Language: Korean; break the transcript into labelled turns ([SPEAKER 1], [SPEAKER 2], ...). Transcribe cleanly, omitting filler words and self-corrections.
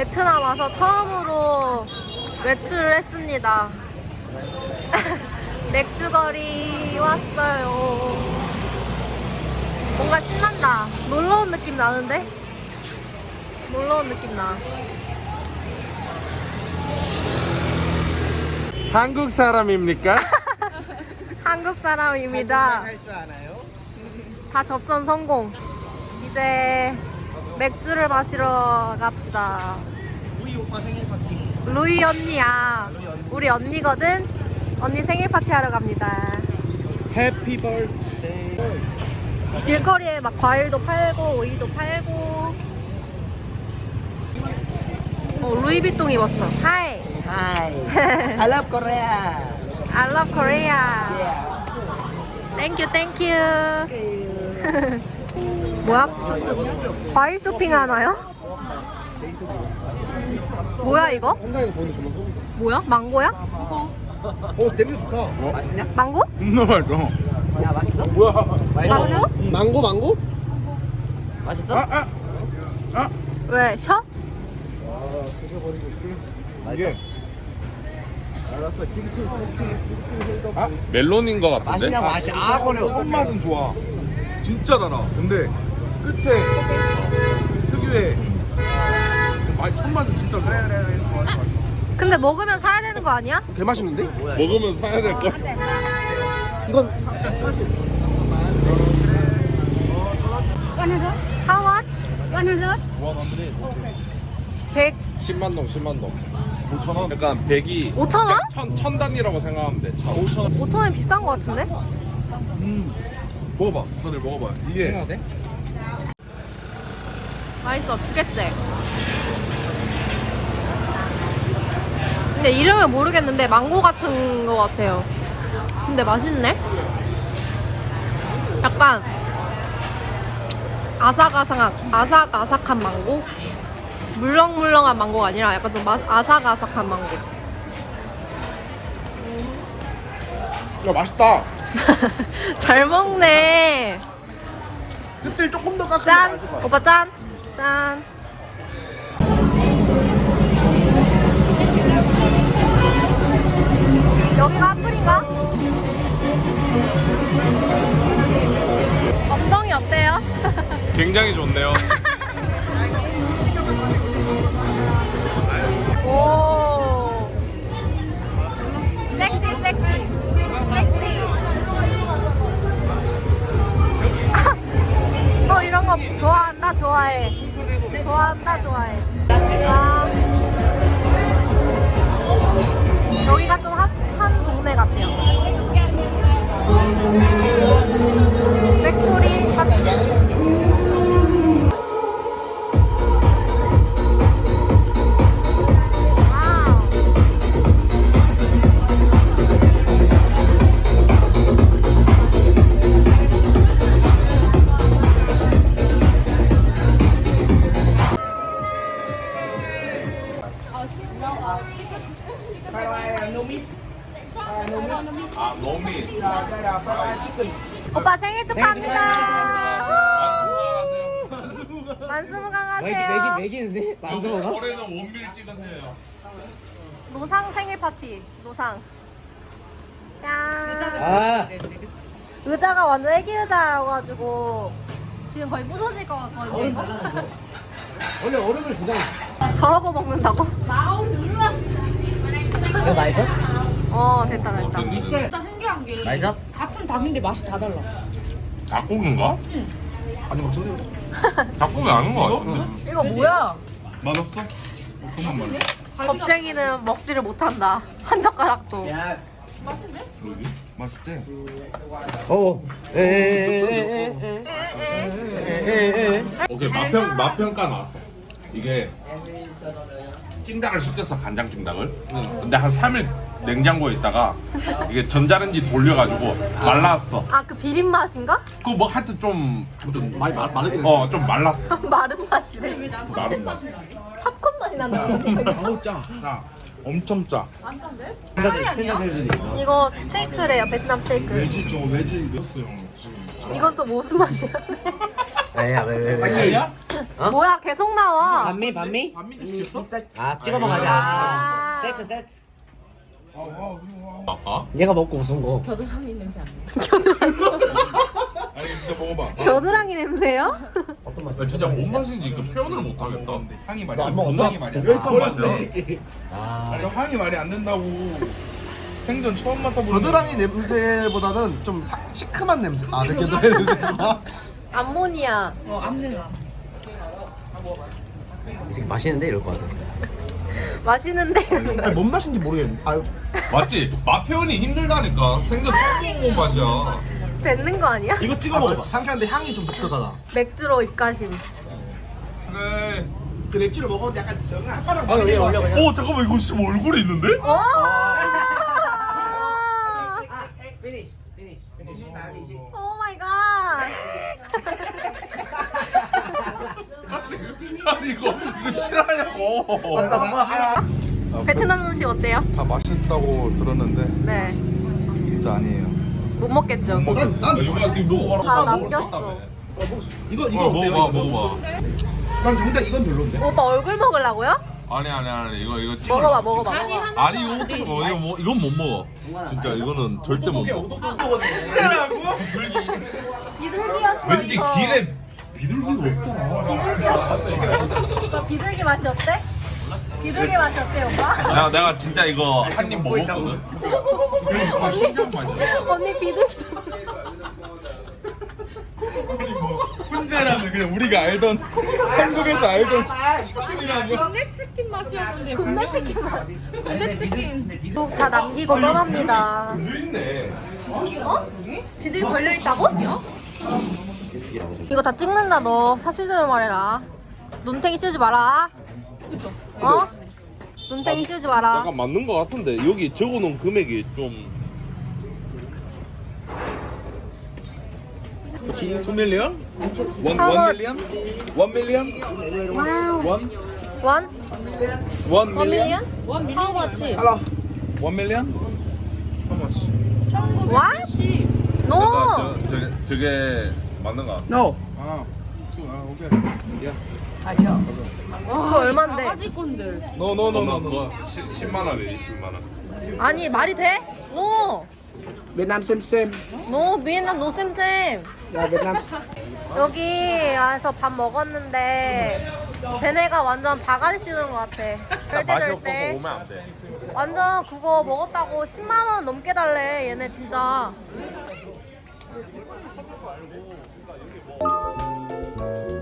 [SPEAKER 1] 베트남 와서 처음으로 외출을 했습니다. 맥주거리 왔어요. 뭔가 신난다. 놀러 온 느낌 나는데? 놀러 온 느낌 나.
[SPEAKER 2] 한국 사람입니까?
[SPEAKER 1] 한국 사람입니다.
[SPEAKER 3] 할 줄 아나요?
[SPEAKER 1] 다 접선 성공. 이제 맥주를 마시러 갑시다.
[SPEAKER 3] 우리 오빠 생일 파티.
[SPEAKER 1] 루이 언니야. 우리 언니거든. 언니 생일 파티 하러 갑니다.
[SPEAKER 3] 해피 버스데이.
[SPEAKER 1] 길거리에 막 과일도 팔고 오이도 팔고. 루이비통 입었어. 하이.
[SPEAKER 3] Hi. I love Korea.
[SPEAKER 1] I love Korea.
[SPEAKER 3] Yeah.
[SPEAKER 1] Thank you, thank you. 뭐야? 과일 쇼핑 하나요? 뭐야 이거?
[SPEAKER 3] 현장에서 보는 정말 소름.
[SPEAKER 1] 뭐야? 망고야?
[SPEAKER 3] 냄새 좋다. 맛있냐?
[SPEAKER 1] 망고?
[SPEAKER 2] 너무 맛있어.
[SPEAKER 3] 야 맛있어?
[SPEAKER 2] 뭐야?
[SPEAKER 1] 망고?
[SPEAKER 3] 망고? 맛있어?
[SPEAKER 1] 왜? 셔?
[SPEAKER 2] 이게 멜론인 것 같은데?
[SPEAKER 3] 맛있냐 맛이 버려.
[SPEAKER 4] 첫 맛은 좋아. 진짜 달아. 근데 끝에 특유의 첫 맛은 진짜 좋아.
[SPEAKER 1] 근데 먹으면 사야 되는 거 아니야?
[SPEAKER 3] 개 맛있는데?
[SPEAKER 2] 먹으면 사야 될 걸.
[SPEAKER 3] 이건
[SPEAKER 1] How much? 100,
[SPEAKER 2] 10만 동, 10만 동.
[SPEAKER 4] 5,000원.
[SPEAKER 2] 약간 100이
[SPEAKER 1] 5,000원?
[SPEAKER 2] 천 단위라고 생각하면 돼.
[SPEAKER 4] 5,000원.
[SPEAKER 1] 5,000원 비싼 거 같은데?
[SPEAKER 4] 먹어봐. 다들 먹어봐. 이게
[SPEAKER 3] 돼?
[SPEAKER 1] 맛있어, 두 개째. 근데 이름은 모르겠는데 망고 같은 거 같아요. 근데 맛있네? 약간 아삭아삭한 망고? 물렁물렁한 망고가 아니라 약간 좀 아삭아삭한 망고.
[SPEAKER 3] 야 맛있다.
[SPEAKER 1] 잘 먹네.
[SPEAKER 3] 끝을 조금 더 깎으면
[SPEAKER 1] 짠!
[SPEAKER 3] 맛있을 것 같아.
[SPEAKER 1] 오빠 짠! 짠! 여기가 한풀인가? 엉덩이 어때요?
[SPEAKER 2] 굉장히 좋네요.
[SPEAKER 1] 오 섹시 섹시 너 이런 거 좋아한다 좋아해 좋아한다 좋아해 아 여기가 좀 핫한 동네 같아요. 맥코리 파티.
[SPEAKER 2] 아, 너미.
[SPEAKER 1] 오빠 생일 축하합니다.
[SPEAKER 2] 안녕하세요.
[SPEAKER 1] 만수무강하세요.
[SPEAKER 3] 맥이는데?
[SPEAKER 2] 올해는 원밀 찍으세요.
[SPEAKER 1] 노상 생일 파티. 노상. 짠.
[SPEAKER 3] 아
[SPEAKER 1] 의자가 완전 애기 의자라고 가지고 지금 거의 부서질 것 같거든요. 이거.
[SPEAKER 3] 원래 얼음을 주잖아.
[SPEAKER 1] 저러고 먹는다고?
[SPEAKER 3] 이거 맛있어?
[SPEAKER 1] 됐다 됐다.
[SPEAKER 5] 진짜 신기한 게
[SPEAKER 3] 맛있어?
[SPEAKER 5] 같은 닭인데 맛이 다 달라.
[SPEAKER 2] 닭고기인가?
[SPEAKER 4] 아니 막 소리.
[SPEAKER 2] 닭고기 아닌 것 같은데.
[SPEAKER 1] 이거 뭐야?
[SPEAKER 4] 맛없어? 그만 말해.
[SPEAKER 1] 겁쟁이는 먹지를 못한다. 한 젓가락도.
[SPEAKER 3] 야.
[SPEAKER 4] 여기 맛있대.
[SPEAKER 2] 오케이, 맛평가 나왔어. 이게 찜닭을 시켰어, 간장 찜닭을. 근데 한 3일 냉장고에 있다가 이게 전자레인지 돌려가지고 말랐어.
[SPEAKER 1] 아 그 비린 맛인가?
[SPEAKER 2] 그 뭐 하여튼 좀
[SPEAKER 3] 많이 마르긴 했어.
[SPEAKER 2] 좀 말랐어.
[SPEAKER 1] 마른 맛이래.
[SPEAKER 2] 마른 맛.
[SPEAKER 1] 팝콘 맛이 난다.
[SPEAKER 4] 짜. 엄청 짜.
[SPEAKER 3] 스탠다드들도 있어.
[SPEAKER 1] 이거 스테이크래요. 베트남 스테이크.
[SPEAKER 4] 외지 저 외지 넣었어요. 지금.
[SPEAKER 1] 이건 또 무슨 맛이야?
[SPEAKER 3] 아니야 왜?
[SPEAKER 4] 아니야?
[SPEAKER 3] 어?
[SPEAKER 1] 뭐야 계속 나와.
[SPEAKER 3] 반미 반미?
[SPEAKER 4] 반미도 시켰어?
[SPEAKER 3] 아 찍어 먹어야
[SPEAKER 1] 아.
[SPEAKER 3] 세트 세트.
[SPEAKER 2] 아까?
[SPEAKER 3] 얘가 먹고 웃은 거.
[SPEAKER 5] 겨드랑이 냄새 안 나.
[SPEAKER 4] 아니 진짜 먹어봐.
[SPEAKER 1] 겨드랑이 냄새요?
[SPEAKER 3] 어떤 맛?
[SPEAKER 2] 진짜 뭔 맛인지 이거 표현을 못 하겠다.
[SPEAKER 4] 향이 말이
[SPEAKER 3] 너안
[SPEAKER 4] 안
[SPEAKER 3] 먹었어?
[SPEAKER 4] 향이 말이 안
[SPEAKER 2] 왜
[SPEAKER 4] 돼.
[SPEAKER 2] 맛이야?
[SPEAKER 3] 아.
[SPEAKER 4] 아니 향이 말이 안 된다고. 생전 처음 맡아보는.
[SPEAKER 6] 겨드랑이 냄새보다는 좀 시큼한 냄새. 아, 내 겨드랑이 냄새구나.
[SPEAKER 1] 암모니아.
[SPEAKER 5] 암내나.
[SPEAKER 3] 이 새끼 맛있는데 이럴 거 같아.
[SPEAKER 1] 맛있는데.
[SPEAKER 6] 아니, 뭔 맛인지 모르겠네. 아유,
[SPEAKER 2] 맞지? 맛 표현이 힘들다니까. 생전 처음 먹어본 맛이야.
[SPEAKER 1] 뱉는 거 아니야?
[SPEAKER 6] 이거 찍어 먹어봐. 상쾌한데 향이 좀 독특하다.
[SPEAKER 1] 맥주로 입가심.
[SPEAKER 2] 네.
[SPEAKER 6] 그 맥주를 먹었는데 약간 혓바닥
[SPEAKER 3] 어 여기 올려 그냥.
[SPEAKER 2] 오 잠깐만 이거 진짜 얼굴에 있는데?
[SPEAKER 1] 어?
[SPEAKER 3] 피니시 피니시 피니시.
[SPEAKER 1] 오 마이 갓.
[SPEAKER 2] 아니 이거 실화냐고.
[SPEAKER 1] 베트남 음식 어때요?
[SPEAKER 4] 다 맛있다고 들었는데
[SPEAKER 1] 네.
[SPEAKER 4] 진짜 아니에요.
[SPEAKER 1] 못 먹겠죠?
[SPEAKER 4] 못 먹-
[SPEAKER 6] 난
[SPEAKER 2] 이거 먹어봐라.
[SPEAKER 1] 다 남겼어.
[SPEAKER 6] 이거
[SPEAKER 2] 먹어봐
[SPEAKER 6] 어때요?
[SPEAKER 2] 먹어봐.
[SPEAKER 6] 난 정작 이건 별론데.
[SPEAKER 1] 오빠 얼굴 먹으려고요?
[SPEAKER 2] 아니 이거 찍어.
[SPEAKER 1] 먹어봐 먹어봐.
[SPEAKER 5] 아니
[SPEAKER 1] 먹어봐.
[SPEAKER 5] 하나.
[SPEAKER 2] 아니 이거 어떻게 먹어? 이거 뭐 이건 못 먹어. 진짜 이거는 절대 못 먹어.
[SPEAKER 1] 비둘기였어
[SPEAKER 2] 왠지
[SPEAKER 1] 이거.
[SPEAKER 2] 길에 비둘기가 없잖아.
[SPEAKER 1] 오빠 비둘기 맛이 어때? 비둘기 맛이 어때 오빠?
[SPEAKER 2] 내가 진짜 이거 한 입 먹었거든. 그러니까 신기한 맛이야.
[SPEAKER 1] 언니 비둘기.
[SPEAKER 4] 훈제라는 그냥 우리가 알던 한국에서 알던 치킨이라고.
[SPEAKER 5] 군대치킨 맛이었는데.
[SPEAKER 1] 굽네 치킨 맛.
[SPEAKER 5] 군대치킨.
[SPEAKER 1] 국 다 남기고 떠납니다.
[SPEAKER 2] 물 있네.
[SPEAKER 1] 어? 비둘기 걸려 있다고? 이거 다 찍는다 너. 사실대로 말해라. 눈탱이 씌우지 마라. 어? 눈탱이 씌우지 마라.
[SPEAKER 2] 약간 맞는 거 같은데 여기 적어놓은 금액이 좀
[SPEAKER 4] 2 밀리언? 원
[SPEAKER 1] How much?
[SPEAKER 4] 밀리언? 1 밀리언? 원?
[SPEAKER 1] 원?
[SPEAKER 4] 1
[SPEAKER 1] 원
[SPEAKER 4] 밀리언?
[SPEAKER 1] 밀리언? How much?
[SPEAKER 4] 1 밀리언? How much?
[SPEAKER 1] What? No.
[SPEAKER 2] 저게 맞는 거 같아.
[SPEAKER 4] No. 오케이.
[SPEAKER 1] 그거 얼만데?
[SPEAKER 5] 바가지 건들.
[SPEAKER 4] No, no, no, no, no.
[SPEAKER 2] 그거 10만 원이지 10만 원.
[SPEAKER 1] 아니 말이 돼? No.
[SPEAKER 6] 베트남 쌤쌤.
[SPEAKER 1] No. 비엔남 노 쌤쌤.
[SPEAKER 6] 야, 베트남.
[SPEAKER 1] 여기 와서 밥 먹었는데 쟤네가 완전 바가지 씌우는 것 같아.
[SPEAKER 2] 맛이 없어서
[SPEAKER 1] 때
[SPEAKER 2] 오면 안 돼.
[SPEAKER 1] 완전 그거 먹었다고 10만 원 넘게 달래 얘네 진짜.